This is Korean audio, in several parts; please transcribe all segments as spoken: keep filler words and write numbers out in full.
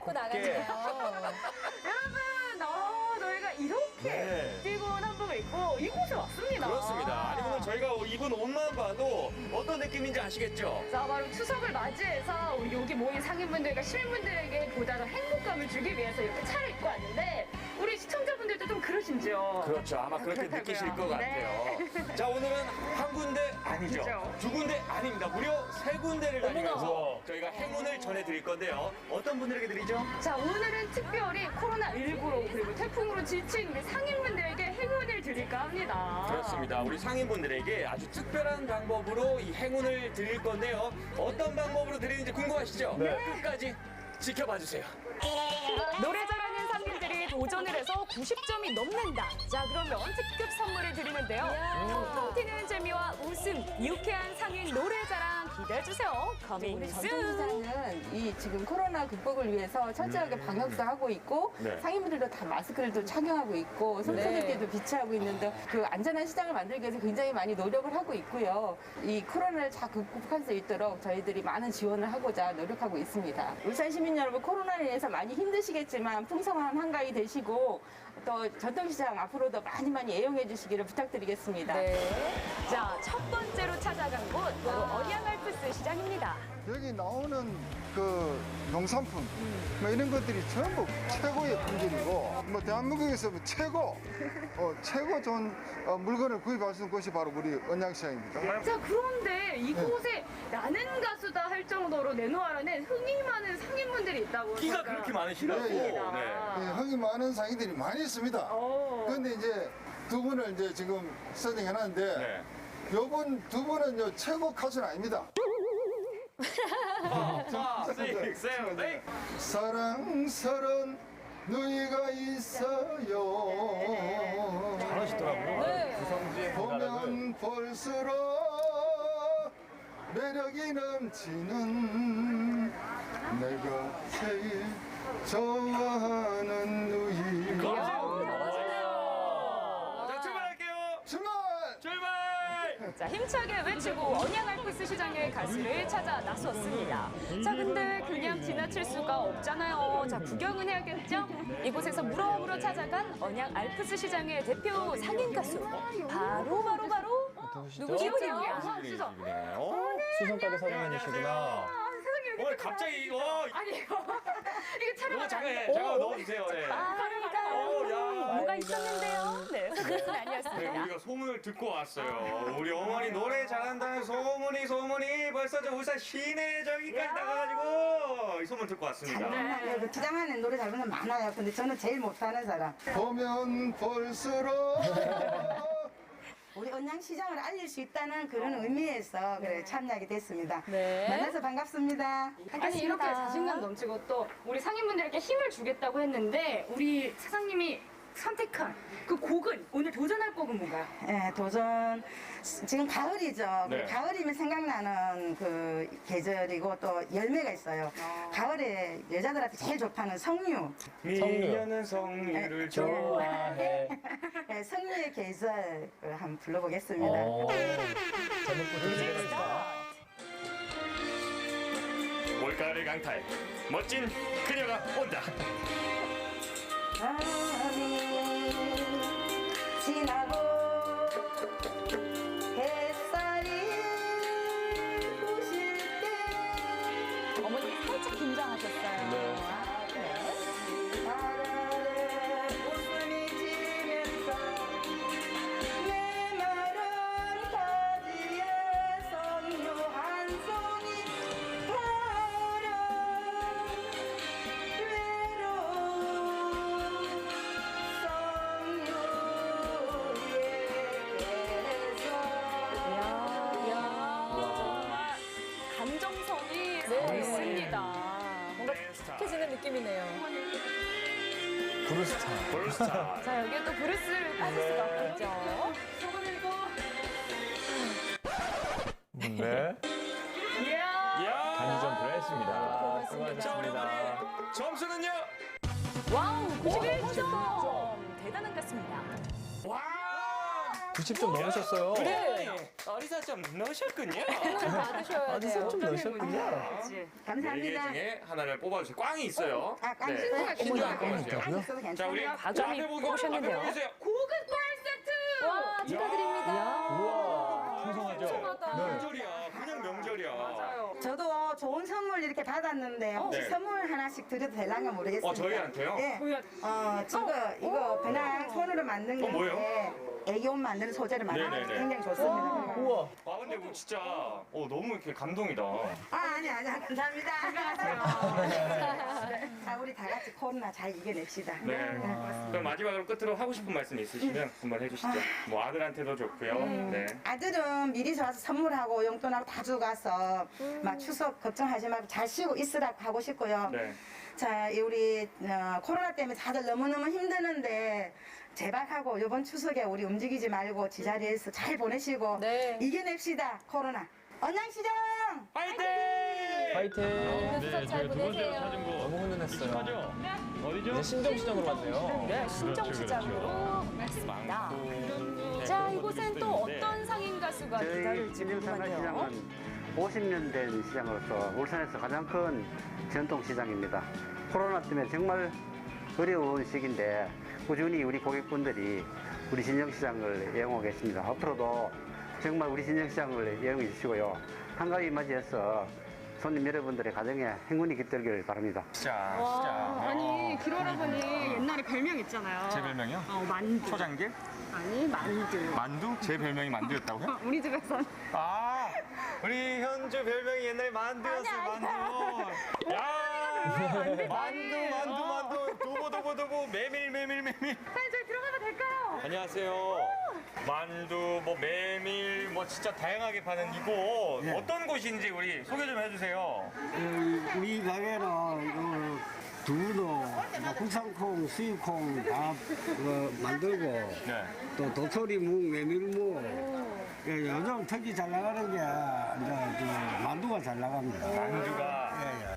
입고 나가네요. 여러분, 어, 저희가 이렇게 네. 뛰고 한복을 입고 이곳에 왔습니다. 그렇습니다. 아니 오늘 저희가 입은 옷만 봐도 어떤 느낌인지 아시겠죠? 자, 바로 추석을 맞이해서 우리 여기 모인 상인분들과 시민분들에게 보다 더 행복감을 주기 위해서 이렇게 차를 입고 왔는데 우리 시청자분들도 좀 그러신지요? 그렇죠. 아마 그렇게 그렇다고요. 느끼실 것 네. 같아요. 자, 오늘은 한 군데 아니죠. 그죠. 두 군데 아닙니다. 무려 세 군데를 다니면서 어머나. 저희가 행운을 전해드릴 건데요. 어떤 분들에게 드리죠? 자, 오늘은 특별히 코로나십구로 그리고 태풍으로 지친 우리 상인분들에게 행운을 드릴까 합니다. 그렇습니다. 우리 상인분들에게 아주 특별한 방법으로 이 행운을 드릴 건데요. 어떤 방법으로 드리는지 궁금하시죠? 네. 끝까지 지켜봐 주세요. 노래 잘하는 상인들이 도전을 해서 구십 점이 넘는다. 자, 그러면 특급 선물을 드리는데요. 텅텅 튀는 재미와 웃음, 유쾌한 상인 노래자랑 기대해주세요. 커밍 우리 순. 전통시장은 이 지금 코로나 극복을 위해서 철저하게 방역도 하고 있고 네. 상인분들도 다 마스크를 또 착용하고 있고 손소독제도 비치하고 있는데 그 안전한 시장을 만들기 위해서 굉장히 많이 노력을 하고 있고요. 이 코로나를 잘 극복할 수 있도록 저희들이 많은 지원을 하고자 노력하고 있습니다. 울산 시민 여러분, 코로나로 인해서 많이 힘드시겠지만 풍성한 한가위 되시고 또 전통시장 앞으로도 많이 많이 애용해 주시기를 부탁드리겠습니다. 네. 자, 첫 번째로 찾아간 곳 바로 언양알프스 시장입니다. 여기 나오는 그 농산품 뭐 이런 것들이 전부 최고의 품질이고 뭐 대한민국에서 뭐 최고 어, 최고 좋은 어, 물건을 구입할 수 있는 곳이 바로 우리 언양시장입니다. 자, 그런데 이곳에 나는 가수다 할 정도로 내놓으라는 흥이 많은 상인분들이 있다고. 끼가 저희가 그렇게 많으시다고. 네, 네. 들었습니다. 예, 흥이 많은 상인들이 많이 있습니다. 오. 그런데 이제 두 분을 이제 지금 세팅해놨는데 네. 요분 두 분은 최고 가수는 아닙니다. 자, 육, 칠, 에잇. 사랑스런 누이가 있어요. 잘하시더라고요. 네. 보면 볼수록 매력이 넘치는 내가 제일 좋아하는 누이. 자, 출발할게요. 출발! 출발! 자, 힘차게 외치고 언양알프스 시장의 가수를 찾아 나섰습니다. 자, 근데 그냥 지나칠 수가 없잖아요. 자, 구경은 해야겠죠? 이곳에서 물어물어 찾아간 언양알프스 시장의 대표 상인 가수. 바로, 바로, 바로. 누구시죠? 어? 수성가게 사장님이시구나. 아, 세상에 여기 오늘 갑자기 이거 아니, 이거 촬영 이거 안 잠깐 하는데. 잠깐 넣어주세요. 네. 아, 그러니까요. 오, 야. 뭐가 있었는데요? 네, 소개는 네, 아니었습니다. 우리가 소문을 듣고 왔어요. 우리 어머니 노래 잘한다는 소문이 소문이 벌써 저 울산 시내 저기까지 야. 나가가지고 이 소문 듣고 왔습니다. 네. 그 기장 안에 노래 잘 부르는 많아요. 근데 저는 제일 못하는 사람. 보면 볼수록 우리 언양시장을 알릴 수 있다는 그런 의미에서 그래 참여하게 됐습니다. 네. 만나서 반갑습니다. 아니, 이렇게 자신감 넘치고 또 우리 상인분들에게 힘을 주겠다고 했는데 우리 사장님이 선택한 그 곡은 오늘 도전할 곡은 뭔가요? 예, 도전 지금 가을이죠. 네. 가을이면 생각나는 그 계절이고 또 열매가 있어요. 가을에 여자들한테 제일 좋다는 성류. 미녀는 성류를 좋아해. 예, 성류의 계절을 한번 불러보겠습니다. 어. 제목부터 기대됩니다. 올가을 강탈 멋진 그녀가 온다. 밤이 지나고 햇살이 부실 때 어머니 살짝 긴장하셨어요. 네. 아, 네. 바람에 웃음이 지면서 내 마른 가지에 성류 한 송이 바람 외로운 정말 감정선이 네. 있습니다. 뭔가 탁해지는 느낌이네요. 브루스타. 볼스타. 자, 여기에 또 브루스를 빠질 수가 없겠죠. 소금이고. 네. 이야. 이야. 단점프를 했습니다. 자, 우리 수고하셨습니다. 어머니 점수는요? 와우, 구십일 점. 대단한 것 같습니다. 와! 구십 점 넘으셨어요. 네. 어리사 좀 넣으셨군요. 아, 어디서 좀 넣으셨군요. 그치? 네 개 감사합니다. 중에 하나를 뽑아주세요. 꽝이 있어요. 아, 꽝 네. 신고가 신중하게 꽝이 뽑아주세요. 있다고요? 있어도 자, 우리 괜찮아요. 과점이 앞에 보고 뽑으셨는데요. 앞에 보여주세요. 고급 꿀 세트! 와, 축하드립니다. 우와, 풍성하죠? 풍성하다. 네. 명절이야. 그냥 명절이야. 맞아요. 저도 좋은 선물 이렇게 받았는데 혹시 네. 선물 하나씩 드려도 될랑가 모르겠습니다. 어, 저희한테요? 예. 어, 지금 이거 그냥 손으로 만든 어, 뭐예요? 건데 애기옷 만드는 소재를 만드는 네네네. 굉장히 좋습니다. 우와. 아, 근데 뭐 진짜 어, 너무 이렇게 감동이다. 아, 아니, 아니, 감사합니다. 자, 우리 다 같이 코로나 잘 이겨냅시다. 네. 그럼 마지막으로 끝으로 하고 싶은 말씀 있으시면 한번 해주시죠. 뭐 아들한테도 좋고요. 네. 아들은 미리 와서 선물하고 용돈하고 다 주고 가서 막 추석 걱정하지 말고 잘 쉬고 있으라고 하고 싶고요. 네. 자, 이 우리 어, 코로나 때문에 다들 너무너무 힘드는데 제발 하고 이번 추석에 우리 움직이지 말고 지자리에서 잘 보내시고 네. 이겨냅시다, 코로나. 언양시장! 파이팅! 파이팅. 네, 추석 잘 보내세요. 너무 훈훈했어요. 이제 신정시장으로 왔네요. 네, 신정시장으로 갔습니다. 자, 이곳엔 또 어떤 상인 가수가 저희 기다릴지 궁금하네요. 신정상가시장은 오십 년 된 시장으로서 울산에서 가장 큰 전통 시장입니다. 코로나 때문에 정말 어려운 시기인데 꾸준히 우리 고객분들이 우리 신정시장을 이용하고 계십니다. 앞으로도 정말 우리 신정시장을 이용해 주시고요. 한가위 맞이해서 손님 여러분들의 가정에 행운이 깃들기를 바랍니다. 진짜, 진짜. 아니, 길어라버니 옛날에 별명 있잖아요. 제 별명이요? 어, 만두. 초장길? 아니, 만두. 만두? 제 별명이 만두였다고요? 우리 집에선. 아, 우리 현주 별명이 옛날에 만두였어요, 만두. 야! 만두, 만두, 만두. 도보, 도보, 도보. 메밀, 메밀, 메밀. 사장님, 저희 들어가도 될까요? 안녕하세요. 만두, 뭐 메밀, 뭐 진짜 다양하게 파는 이곳 어떤 곳인지 우리 소개 좀 해주세요. 우리 가게는 어, 두부도 뭐 국산콩, 수입콩 다 어, 만들고 네. 또 도토리묵, 메밀묵 예, 요즘 특히 잘 나가는 게 이제 그 만두가 잘 나갑니다. 만두가 예, 예.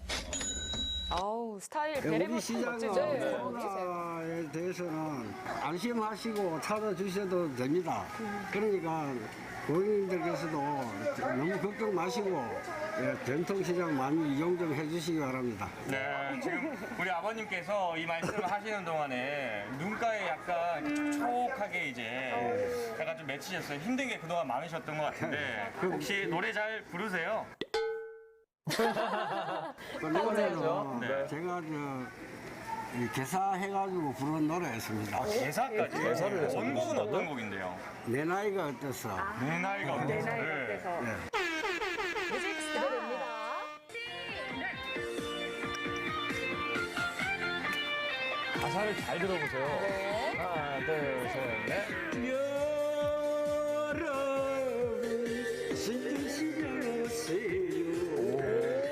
아우, 스타일 예, 베레모 우리 시장은 멋지죠? 코로나에 대해서는 안심하시고 찾아주셔도 됩니다. 그러니까 고객님들께서도 너무 걱정 마시고 예, 전통시장 많이 이용 좀 해주시기 바랍니다. 네, 지금 우리 아버님께서 이 말씀을 하시는 동안에 눈가에 약간 촉촉하게 이제 약간 좀 맺히셨어요. 힘든 게 그동안 많으셨던 것 같은데 혹시 노래 잘 부르세요? 그 노래는 네. 제가 저 이 개사해가지고 부른 노래였습니다. 대사까지? 대사를 해서 원곡은 어떤 곡인데요? 내 나이가 어때서? 내 나이가 어때서? 네. 뮤직 스타입니다. 가사를 잘 들어보세요. 하나, 둘, 셋, 넷. 여러분 신시경 오세요.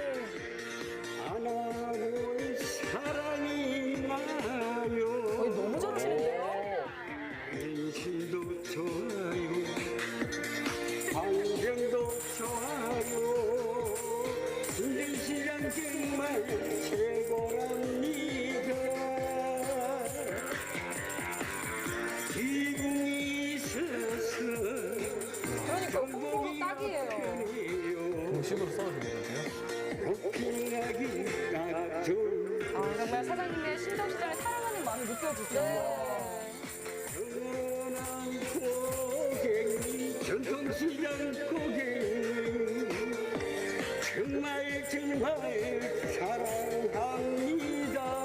안 하고 사랑이 나요. 거의 너무 잘하시는데요? 인심도 좋아요. 환경도 좋아요. 신시경 정말 최고랍니다. 기분이 있어서 그러니까 홍보 딱이에요. 공식으로 써도 되겠는데요? 고핑하기 나죠. 아, 정말 사장님의 신정시장을 사랑하는 마음이 느껴지죠? 영원한 고객님, 전통시장 고객님, 정말 정말 사랑합니다.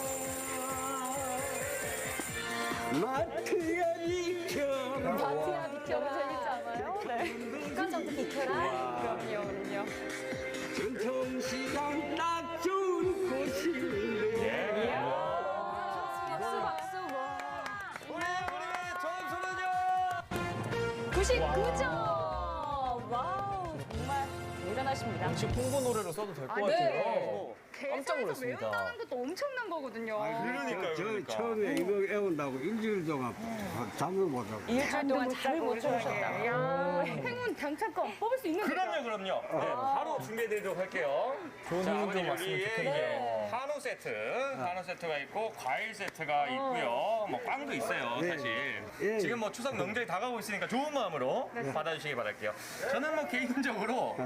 마트야 비켜라. 마트야 비켜라. 너무 재밌지 않아요? 네. 습관적도 비켜라. 그럼요, 그럼요. 전통시장 딱 좋은 곳인데. 박수, 박수, 와. 우리 우리 점수는요? 구십구 점! 와우, 정말 대단하십니다. 공식 홍보 노래로 써도 될 것 아, 같아요. 네. 깜짝 놀랐습니다. 외운다는 것도 엄청난 엄청난 거거든요. 그러니까요, 저 그러니까. 처음에 이거 애운다고 일주일 동안 잠을 못 자고. 일주일 동안 잠을 못 주무셨다. 야, 행운 당첨권 뽑을 수 있는 거죠? 그럼요, 그럼요. 네, 바로 준비해드리도록 할게요. 좋은 자, 행운 좀 아버님 왔으면 여기에 좋겠네요. 이제 한우 세트, 한우 세트가 있고 과일 세트가 있고요. 뭐 빵도 있어요, 네. 사실. 예. 지금 뭐 추석 명절이 다가오고 있으니까 좋은 마음으로 받아주시기 바랄게요. 저는 뭐 개인적으로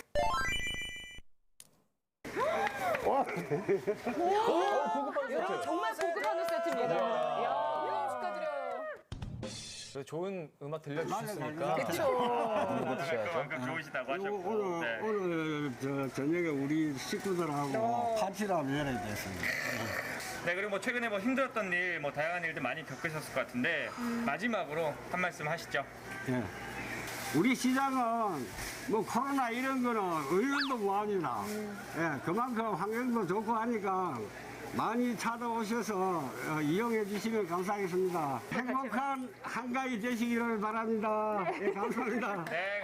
정말 고급 한우 세트입니다. 이야, 축하드려요. 그래서 좋은 음악 들려주셨으니까 그쵸. 이거 드셔야죠. 그만큼 좋으시다고 요- 하셨고. 오늘 네. 오늘 저 저녁에 우리 식구들하고 파티를 한번 열어야 됐습니다. 네, 그리고 뭐 최근에 뭐 힘들었던 일, 뭐 다양한 일들 많이 겪으셨을 것 같은데 마지막으로 한 말씀 하시죠. 예. 우리 시장은 뭐 코로나 이런 거는 의견도 뭐합니다. 예, 그만큼 환경도 좋고 하니까 많이 찾아오셔서 어, 이용해 주시면 감사하겠습니다. 행복한 한가위 되시기를 바랍니다. 예, 감사합니다. 네,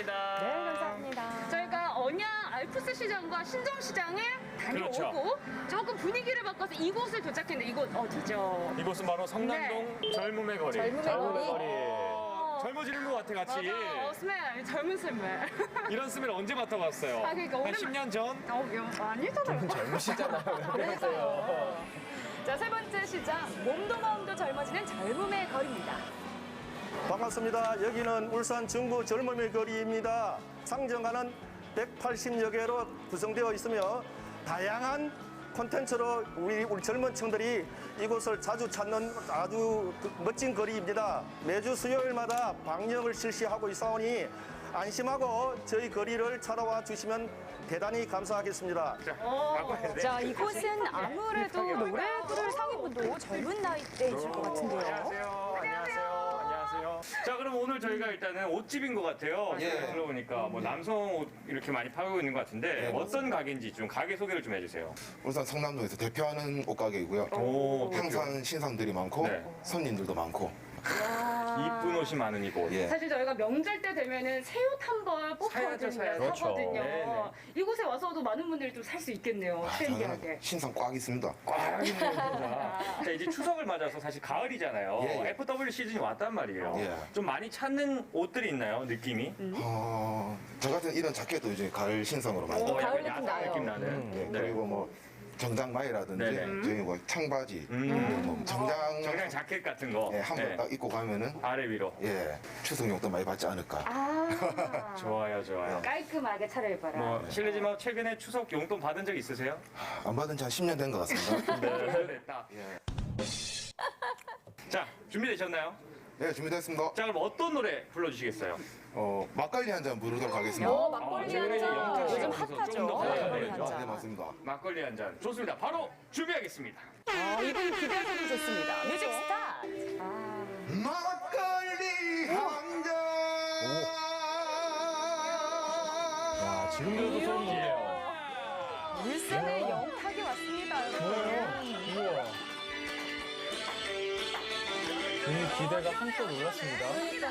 감사합니다. 저희가 언양 알프스 시장과 신정시장을 다녀오고 그렇죠. 조금 분위기를 바꿔서 이곳을 도착했는데 이곳 어디죠? 이곳은 바로 성남동 젊음의 거리. 젊음의 거리. 젊어지는 것 같아, 같이. 맞아, 어, 스멜, 젊은 스멜. 이런 스멜 언제 맡아봤어요? 아, 그러니까 한 오랜만- 십 년 전? 어, 이거 아니잖아요. 젊으시잖아요. 왜 그러세요? 자, 세 번째 시장, 몸도 마음도 젊어지는 젊음의 거리입니다. 반갑습니다. 여기는 울산 중구 젊음의 거리입니다. 상정하는 백팔십여 개로 구성되어 있으며 다양한 콘텐츠로 우리, 우리 젊은 층들이 이곳을 자주 찾는 아주 그 멋진 거리입니다. 매주 수요일마다 방역을 실시하고 있사오니 안심하고 저희 거리를 찾아와 주시면 대단히 감사하겠습니다. 자, 이곳은 아무래도 노래 부를 상위분도 젊은 나이대이실 것 같은데요. 안녕하세요. 안녕하세요. 안녕하세요. 자, 그럼 오늘 저희가 일단은 옷집인 것 같아요. 예. 제가 들어보니까 뭐 남성 옷 이렇게 많이 팔고 있는 것 같은데 예, 어떤 가게인지 좀 가게 소개를 좀 해주세요. 울산 성남동에서 대표하는 옷가게이고요. 오, 항상 신상들이 많고 네. 손님들도 많고. 이쁜 옷이 많은 이곳. 예. 사실 저희가 명절 때 되면은 새 옷 한 벌 뽑거든요. 사야죠. 그렇죠. 사거든요. 네네. 이곳에 와서도 많은 분들이 좀 살 수 있겠네요. 아, 트렌디하게. 저는 신상 꽉 있습니다. 꽉 있는 거다. 자, 이제 추석을 맞아서 사실 가을이잖아요. 예, 예. 에프더블유 시즌이 왔단 말이에요. 예. 좀 많이 찾는 옷들이 있나요? 느낌이? 어, 저 같은 이런 자켓도 이제 가을 신상으로 많이. 어, 가을 약간 느낌 야상 나요. 느낌 나는. 예, 그리고 뭐 정장마이라든지 네네. 저희 뭐 청바지, 음. 뭐 정장, 정장 자켓 같은 거. 예, 한 번 네. 딱 입고 가면은 아래 위로. 예, 추석용도 많이 받지 않을까. 아, 좋아요, 좋아요. 깔끔하게 차려입어라. 뭐 실례지만 최근에 추석 용돈 받은 적 있으세요? 안 받은 지 한 십 년 된 것 같습니다. 네, 됐다. 예. 자, 준비되셨나요? 네, 준비됐습니다. 자, 그럼 어떤 노래 불러주시겠어요? 어, 막걸리 한 잔 부르도록 하겠습니다. 어, 막걸리 아, 한 잔. 영탁 씨가 요즘 그래서 핫하죠. 좀더 막걸리 네, 한 네, 잔. 맞습니다. 막걸리 한 잔. 좋습니다. 바로 준비하겠습니다. 아, 이분 기대하셔도 좋습니다. 뮤직 스타트. 아. 막걸리 한 잔. 야, 지금 들어도 소름 돋네요. 울산의 영탁이 왔습니다. 여러분. 우와. 괜히 기대가 한껏 올랐습니다.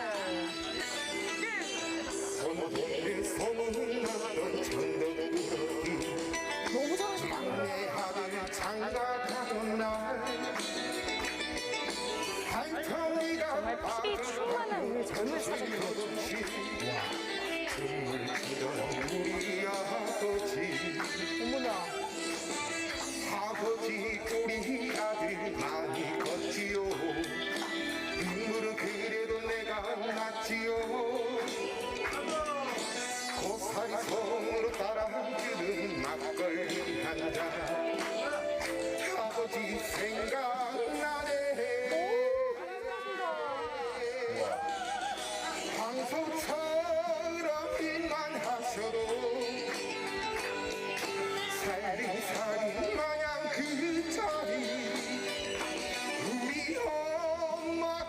소문에 소문나던 천덕구름이 너무 잘하시다. 내 하늘 장가가는 날 한편이가 정말 피비 충만한 우리 젊은 사장님. 춤을 추던 우리 아버지 어머나. 아버지 우리 아들 많이 컸지요 눈물은 그래도 내가 났지요 고사리 손으로 따라주는 막걸리 한잔 아버지 생각나네 황소처럼 일만 하셔도 살림살이 마냥 그 자리 우리 엄마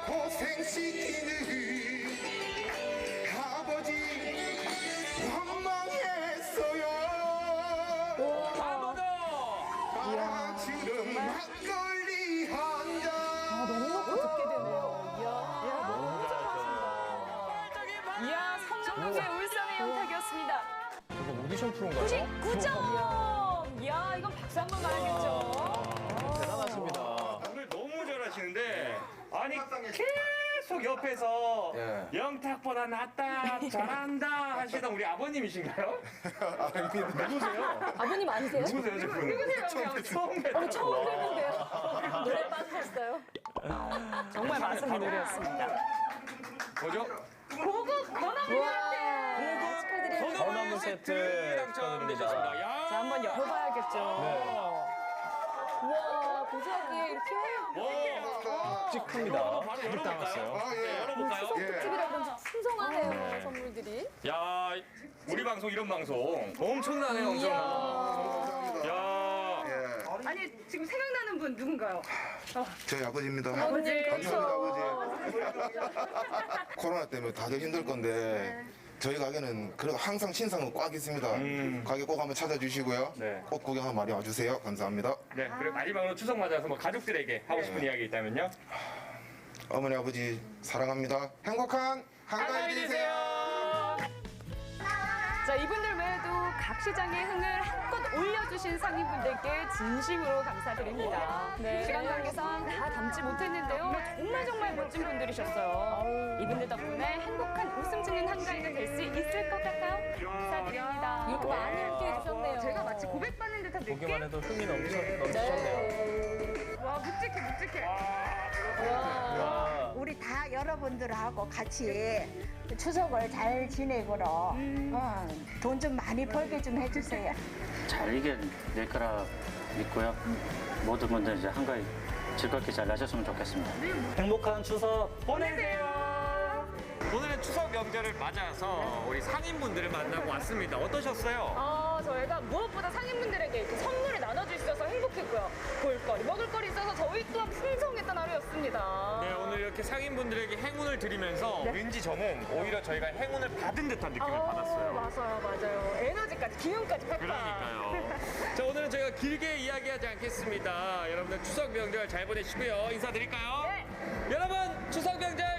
고생시키는 아버지 원망했어요 따라주는 막걸리 한잔 아, 너무 먹고 듣게 되네요. 이야. 이야, 너무 잘하신다. 이야, 성남동의 울산의 영탁이었습니다. 이거 오디션 프로인가요? 구십구 점! 이야, 이건 박수 한 번 가야겠죠. 하시는데 아니 계속 옆에서 예. 영탁보다 낫다 잘한다 하시던 우리 아버님이신가요? 누구세요? 아버님 아니세요? 누구세요 지금? 누구세요? 처음 처음 뵀어요. 어, 처음 뵙는데요. 노래 빠지셨어요? 정말 맛있는 노래였습니다. 뭐죠? 고급 건어물한테 축하드립니다. 건어물 세트 당첨되셨습니다. 축하드립니다. 야. 자, 한번 열어봐야겠죠. 우와, 고소하게 이렇게. 와. 묵직합니다. 바로 잘 담았어요. 열어볼까요? 아, 예. 네, 열어볼까요? 추석 특집이라 그런지 풍성하네요, 선물들이. 야, 우리 방송 이런 방송 엄청나네요, 엄청나. 야. 예. 아니, 지금 생각나는 분 누군가요? 저희 아버지입니다. 아버님, 감사합니다, 아버지. 코로나 때문에 다들 힘들 건데 저희 가게는 그래도 항상 신상은 꽉 있습니다. 가게 꼭 한번 찾아주시고요. 네. 꼭 구경 한번 많이 와주세요. 감사합니다. 네, 그리고 마지막으로 추석 맞아서 뭐 가족들에게 하고 싶은 이야기 있다면요? 어머니 아버지 사랑합니다. 행복한 한가위 되세요. 자, 이분들 외에도 각 시장의 흥을 한껏 올려주신 상인분들께 진심으로 감사드립니다. 시간 관계상 다 담지 못했는데요. 정말 정말 멋진 분들이셨어요. 이분들 덕분에 행복한 웃음 짓는 한가위가 될 수 있을 것 같아요. 감사드립니다. 이렇게 많이 함께 해주셨네요. 제가 마치 고백받는 듯한 느낌? 보기만 해도 흥이 넘쳐, 넘치셨네요. 와, 묵직해, 묵직해. 와. 우리 다 여러분들하고 같이 추석을 잘 지내고로 어, 돈 좀 많이 벌게 좀 해주세요. 잘 이겨낼 거라 믿고요. 모든 분들 이제 한가위 즐겁게 잘 나셨으면 좋겠습니다. 행복한 추석 보내세요. 오늘은 추석 명절을 맞아서 우리 상인분들을 만나고 왔습니다. 어떠셨어요? 아, 저희가 무엇보다 상인분들에게 이렇게 선물을 나눠줄 수 있어서 행복했고요. 볼거리, 먹을거리 있어서 저희 또한 풍성했던 하루였습니다. 네, 오늘 이렇게 상인분들에게 행운을 드리면서 왠지 저는 오히려 저희가 행운을 받은 듯한 느낌을 아, 받았어요. 맞아요, 맞아요. 에너지까지, 기운까지 팩 그러니까요. 자, 오늘은 저희가 길게 이야기하지 않겠습니다. 여러분들 추석 명절 잘 보내시고요. 인사드릴까요? 네. 여러분, 추석 명절